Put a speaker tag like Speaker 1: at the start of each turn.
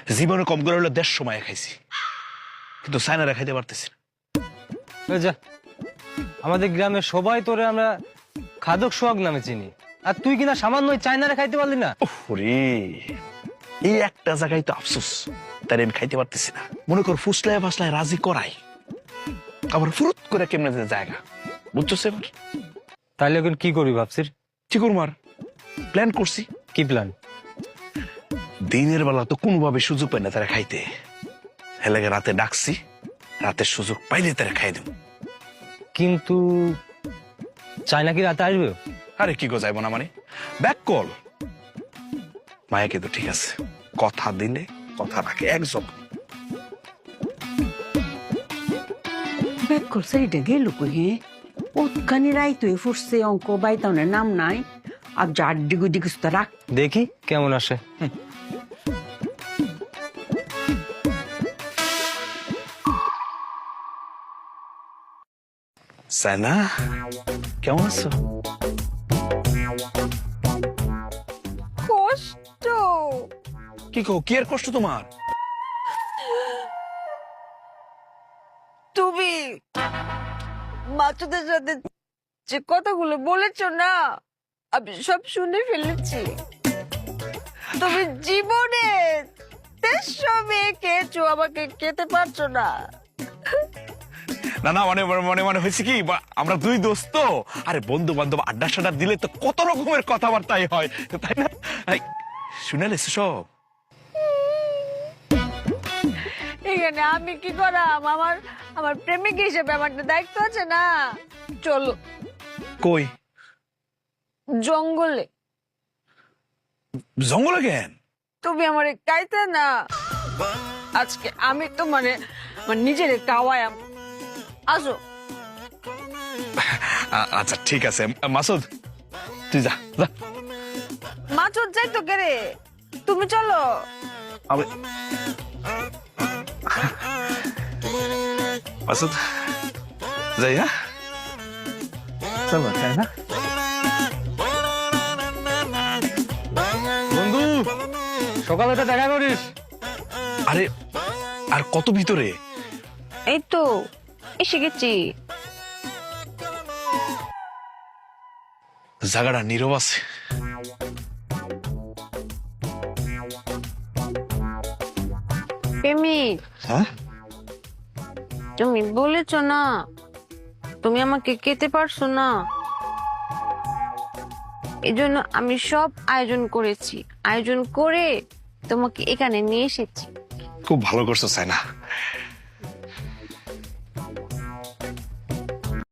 Speaker 1: জীবনে কম করে হলো 150 সময় খাইছি, কিন্তু চায়নারা খাইতে পারতেছি না।
Speaker 2: ওই যা, আমাদের গ্রামের সবাই তোরে আমরা খাদক সোহাগ নামে চিনি, আর তুই কিনা সামান্য ওই চায়নারে খাইতে পারলি না।
Speaker 1: ওরে, এই একটা জায়গায় তো আফসোস, তাই আমি খাইতে পারতেছি না। মনে কর ফুসলায় ফাসলায় রাজি করাই, আবার ফুরুত করে কেমনে যে জায়গা, বুঝছো এবার?
Speaker 2: তাহলে এখন কি করবি ভাবছিস?
Speaker 1: চিকুর মার প্ল্যান করছি।
Speaker 2: কি প্ল্যান?
Speaker 1: দিনের বেলা তো কোনোভাবে সুযোগ পাই না তারা খাইতে, হেলেগে রাতে ডাকছি, রাতের সুযোগ পাইলে তারা খাই দেব।
Speaker 2: কিন্তু চায়না কি রাতে আসবে?
Speaker 1: আরে কি গো, যাইব না মানে? ব্যাক কল মায়াকে তো ঠিক আছে, কথা দিলে কথা রাখে একজন।
Speaker 3: ব্যাক করছে এটা গেল কই? ওখানে রাই তুই ফুটছে অঙ্ক বাইতাউনের নাম নাই, আর যার দিগু দিগুস তো রাখ।
Speaker 2: দেখি কেমন আসে।
Speaker 1: সাইনা, কেমন আছো?
Speaker 4: কষ্ট।
Speaker 1: কি কো, কি আর কষ্ট তোমার?
Speaker 4: তুমি মাছুদের সাথে যে কথাগুলো বলেছ না, আমি সব শুনে ফেলেছি। তুমি জীবনে 300 মেয়ে খেয়েছো, আমাকে খেতে পারছো না।
Speaker 1: না না, মানে মানে মানে হয়েছে কি, আমরা দুই দোস্ত, আরে বন্ধু বান্ধব আড্ডা সাড্ডা দিলে তো কত রকমের কথাবার্তাই হয়, তাই না? শুনালে সব।
Speaker 4: এখানে আমি কি করাম? আমার আমার প্রেমিক হিসেবে আমার একটা দায়িত্ব আছে না। চলো
Speaker 1: কই?
Speaker 4: জঙ্গলে।
Speaker 1: জঙ্গলে কেন?
Speaker 4: তুমি আমারে কাইতে না, আজকে আমি তো মানে নিজের কাওয়ায়াম। আসো।
Speaker 1: আচ্ছা ঠিক আছে, মাসুদ তুই যা যা।
Speaker 4: মাছুদ যাই তো কেরে, তুমি চলো।
Speaker 1: মাসুদ যাই, হ্যাঁ চলো, তাই না?
Speaker 2: বন্ধু, সকালে তো দেখা করিস।
Speaker 1: আরে আর কত ভিতরে?
Speaker 4: এই তো এসে গেছি।
Speaker 1: জায়গাটা নীরব আছে।
Speaker 4: প্রেমিক,
Speaker 1: হ্যাঁ,
Speaker 4: তুমি বলেছ না তুমি আমাকে খেতে পারছো না, এজন্য আমি সব আয়োজন করেছি, আয়োজন করে তোমাকে এখানে নিয়ে এসেছি।
Speaker 1: খুব ভালো করছো সাইনা।